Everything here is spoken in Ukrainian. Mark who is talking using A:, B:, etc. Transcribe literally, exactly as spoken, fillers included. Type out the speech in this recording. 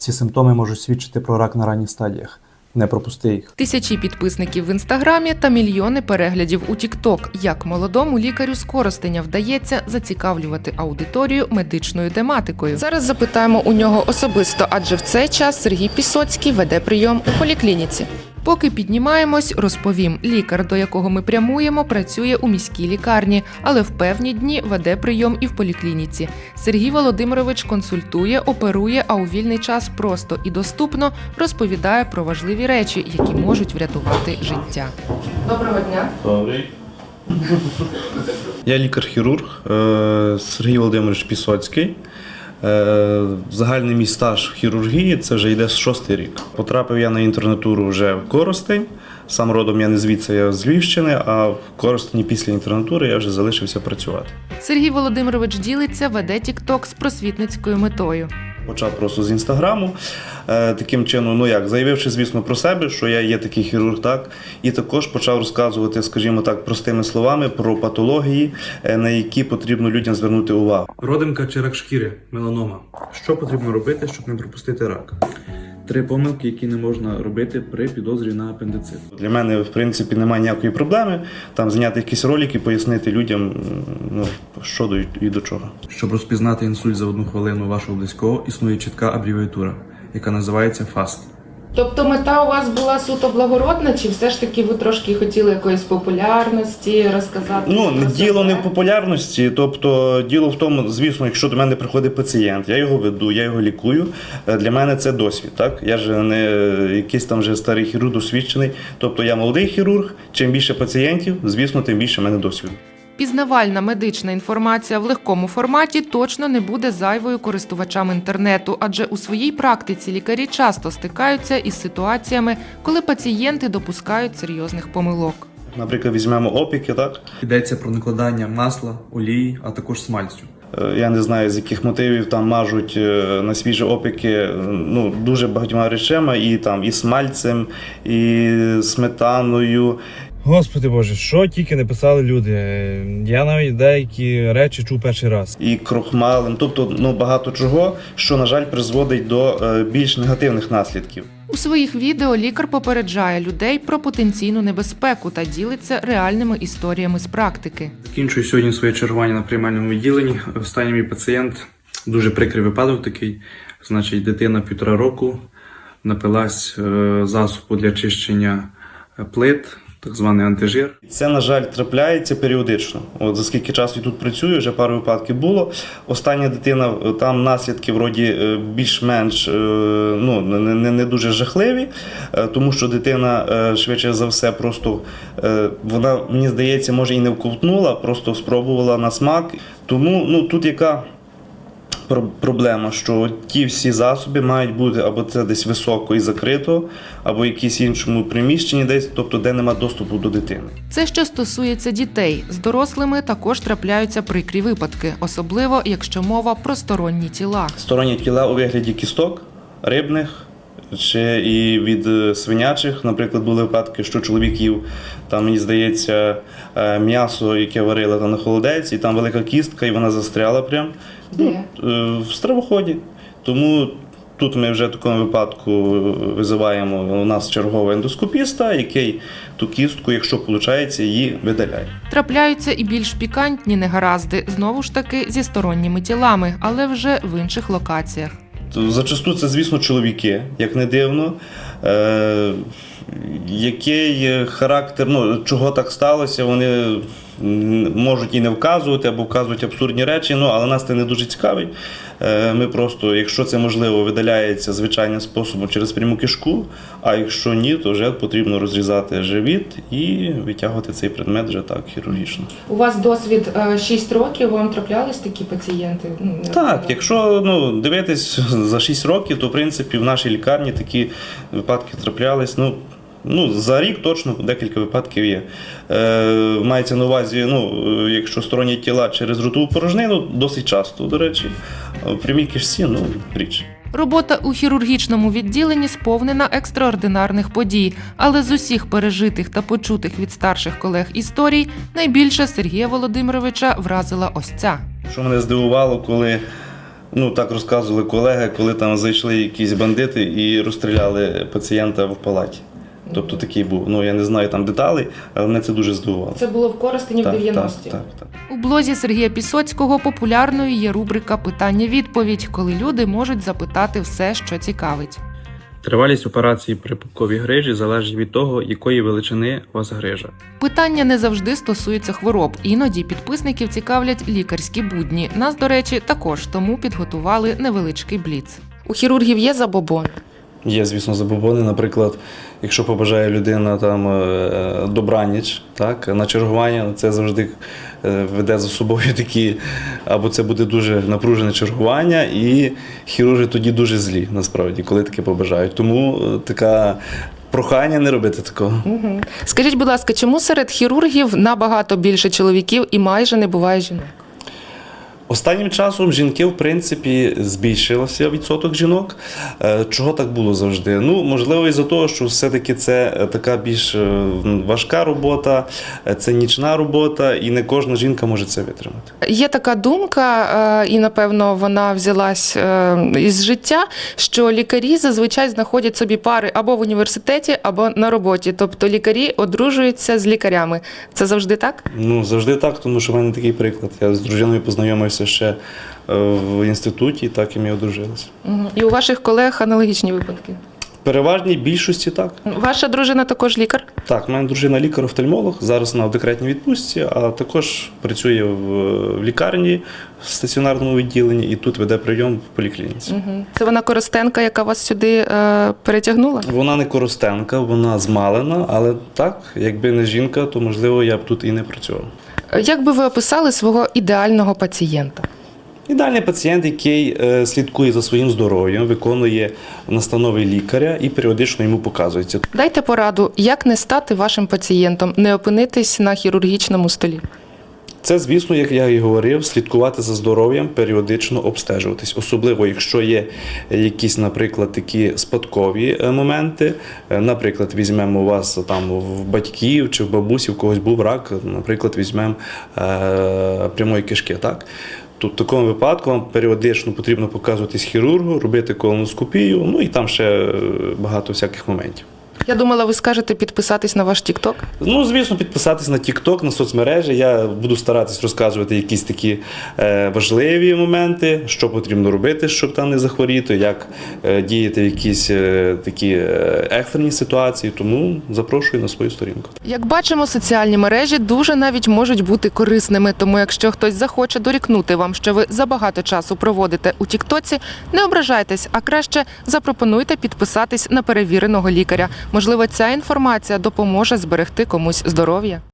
A: Ці симптоми можуть свідчити про рак на ранніх стадіях. Не пропусти їх.
B: Тисячі підписників в Інстаграмі та мільйони переглядів у Тік-Ток. Як молодому лікарю з Коростеня вдається зацікавлювати аудиторію медичною тематикою? Зараз запитаємо у нього особисто, адже в цей час Сергій Пісоцький веде прийом у поліклініці. Поки піднімаємось, розповім. Лікар, до якого ми прямуємо, працює у міській лікарні, але в певні дні веде прийом і в поліклініці. Сергій Володимирович консультує, оперує, а у вільний час просто і доступно розповідає про важливі речі, які можуть врятувати життя. Доброго дня.
C: Добрий. Я лікар-хірург е, Сергій Володимирович Пісоцький. Е, Загальний мій стаж в хірургії – це вже йде шостий рік. Потрапив я на інтернатуру вже в Коростень. Сам родом я не звідси, я з Львівщини, а в Коростені після інтернатури я вже залишився працювати.
B: Сергій Володимирович ділиться, веде Тік-Ток з просвітницькою метою.
C: Почав просто з Інстаграму, е, таким чином, ну як, заявивши, звісно, про себе, що я є такий хірург, так, і також почав розказувати, скажімо так, простими словами про патології, е, на які потрібно людям звернути увагу.
D: Родимка чи рак шкіри, меланома. Що потрібно робити, щоб не пропустити рак? Три помилки, які не можна робити при підозрі на апендицит.
C: Для мене, в принципі, немає ніякої проблеми там зняти якісь ролики, пояснити людям, ну, що до і до чого.
D: Щоб розпізнати інсульт за одну хвилину вашого близького, існує чітка абревіатура, яка називається фаст.
B: Тобто мета у вас була суто благородна, чи все ж таки ви трошки хотіли якоїсь популярності розказати?
C: Ну,
B: про
C: діло
B: себе?
C: не в популярності, тобто діло в тому, звісно, якщо до мене приходить пацієнт, я його веду, я його лікую, для мене це досвід, так? Я ж не якийсь там вже старий хірург досвідчений, тобто я молодий хірург, чим більше пацієнтів, звісно, тим більше в мене досвіду.
B: Пізнавальна медична інформація в легкому форматі точно не буде зайвою користувачам інтернету, адже у своїй практиці лікарі часто стикаються із ситуаціями, коли пацієнти допускають серйозних помилок.
C: Наприклад, візьмемо опіки, так?
D: Йдеться про накладання масла, олії, а також смальцю.
C: Я не знаю, з яких мотивів там мажуть на свіжі опіки, ну, дуже багатьма речами, і там і смальцем, і сметаною.
E: Господи Боже, що тільки не писали люди. Я навіть деякі речі чув перший раз.
C: І крохмалем, тобто, ну, багато чого, що, на жаль, призводить до більш негативних наслідків.
B: У своїх відео лікар попереджає людей про потенційну небезпеку та ділиться реальними історіями з практики.
D: Закінчую сьогодні своє чергування на приймальному відділенні. Останній мій пацієнт, дуже прикрий випадок такий. Значить, дитина півтора року напилась засобу для чищення плит, так званий антижир.
C: Це, на жаль, трапляється періодично. От за скільки часу я тут працюю, вже пару випадків було. Остання дитина, там наслідки вроді більш-менш, ну, не, не дуже жахливі, тому що дитина, швидше за все, просто, вона, мені здається, може і не вковтнула, просто спробувала на смак. Тому, ну, тут яка проблема, що ті всі засоби мають бути або це десь високо і закрито, або в якійсь іншому приміщенні десь, тобто де нема доступу до дитини.
B: Це що стосується дітей. З дорослими також трапляються прикрі випадки, особливо якщо мова про сторонні тіла.
C: Сторонні тіла у вигляді кісток, рибних, чи і від свинячих. Наприклад, були випадки, що чоловік їв, там, мені здається, м'ясо, яке варили там на холодець, і там велика кістка, і вона застряла прям.
B: Де?
C: Ну, в стравоході. Тому тут ми вже в такому випадку визиваємо у нас чергового ендоскопіста, який ту кістку, якщо виходить, її видаляє.
B: Трапляються і більш пікантні негаразди, знову ж таки зі сторонніми тілами, але вже в інших локаціях.
C: Зачасту це, звісно, чоловіки, як не дивно. Е, який характер, ну, чого так сталося, вони можуть і не вказувати, або вказують абсурдні речі, ну, але нас це не дуже цікавить. Е, ми просто, якщо це можливо, видаляється звичайним способом через пряму кишку, а якщо ні, то вже потрібно розрізати живіт і витягувати цей предмет вже так хірургічно.
B: У вас досвід шість років, вам траплялись такі пацієнти?
C: Так, якщо, ну, дивитись за шість років, то в принципі в нашій лікарні такі випадки траплялись. Ну, Ну, за рік точно декілька випадків є. Е, мається на увазі, ну, якщо сторонні тіла через ротову порожнину, досить часто, до речі. В прямій кишці, ну, річ.
B: Робота у хірургічному відділенні сповнена екстраординарних подій, але з усіх пережитих та почутих від старших колег історій найбільше Сергія Володимировича вразила ось ця.
C: Що мене здивувало, коли Ну, так розказували колеги, коли там зайшли якісь бандити і розстріляли пацієнта в палаті. Тобто такий був. Ну, я не знаю там деталей, але мене це дуже здивувало.
B: Це було в Коростені в
C: Так,
B: дев'яності.
C: так, так, так.
B: У блозі Сергія Пісоцького популярною є рубрика «Питання-відповідь», коли люди можуть запитати все, що цікавить.
D: Тривалість операції при пупковій грижі залежить від того, якої величини у вас грижа.
B: Питання не завжди стосуються хвороб. Іноді підписників цікавлять лікарські будні. Нас, до речі, також, тому підготували невеличкий бліц. У хірургів є забобон?
C: Є, звісно, забобони. Наприклад, якщо побажає людина там е, добраніч, так, на чергування, це завжди е, веде за собою такі, або це буде дуже напружене чергування, і хірурги тоді дуже злі, насправді, коли таке побажають. Тому е, така прохання не робити такого.
B: Угу. Скажіть, будь ласка, чому серед хірургів набагато більше чоловіків і майже не буває жінок?
C: Останнім часом жінки, в принципі, збільшилося відсоток жінок. Е, Чого так було завжди? Ну, можливо, із-за того, що все-таки це така більш е, важка робота, е, це нічна робота, і не кожна жінка може це витримати.
B: Є така думка, е, і, напевно, вона взялась е, із життя, що лікарі зазвичай знаходять собі пари або в університеті, або на роботі. Тобто лікарі одружуються з лікарями. Це завжди так?
C: Ну, завжди так, тому що в мене такий приклад. Я з дружиною познайомився ще е, в інституті, так і ми одружилися.
B: Угу. І у ваших колег аналогічні випадки?
C: В переважній більшості так.
B: Ваша дружина також лікар?
C: Так, в мене дружина лікар-офтальмолог, зараз вона в декретній відпустці, а також працює в, в лікарні, в стаціонарному відділенні і тут веде прийом в поліклініці.
B: Угу. Це вона коростенка, яка вас сюди е, перетягнула?
C: Вона не коростенка, вона змалена, але так, якби не жінка, то можливо я б тут і не працював.
B: Як би ви описали свого ідеального пацієнта?
C: Ідеальний пацієнт, який е, слідкує за своїм здоров'ям, виконує настанови лікаря і періодично йому показується.
B: Дайте пораду, як не стати вашим пацієнтом, не опинитись на хірургічному столі.
C: Це, звісно, як я і говорив, слідкувати за здоров'ям, періодично обстежуватись. Особливо, якщо є якісь, наприклад, такі спадкові моменти. Наприклад, візьмемо у вас там в батьків чи в бабусі, в когось був рак, наприклад, візьмемо е, прямої кишки, так? Тут в такому випадку вам періодично потрібно показуватись хірургу, робити колоноскопію, ну і там ще багато всяких моментів.
B: Я думала, ви скажете підписатись на ваш TikTok.
C: Ну, звісно, підписатись на TikTok, на соцмережі. Я буду старатись розказувати якісь такі е, важливі моменти, що потрібно робити, щоб там не захворіти, як е, діяти в якісь е, такі е, екстрені ситуації. Тому запрошую на свою сторінку.
B: Як бачимо, соціальні мережі дуже навіть можуть бути корисними, тому якщо хтось захоче дорікнути вам, що ви забагато часу проводите у Тіктоці, не ображайтесь, а краще запропонуйте підписатись на перевіреного лікаря. Можливо, ця інформація допоможе зберегти комусь здоров'я.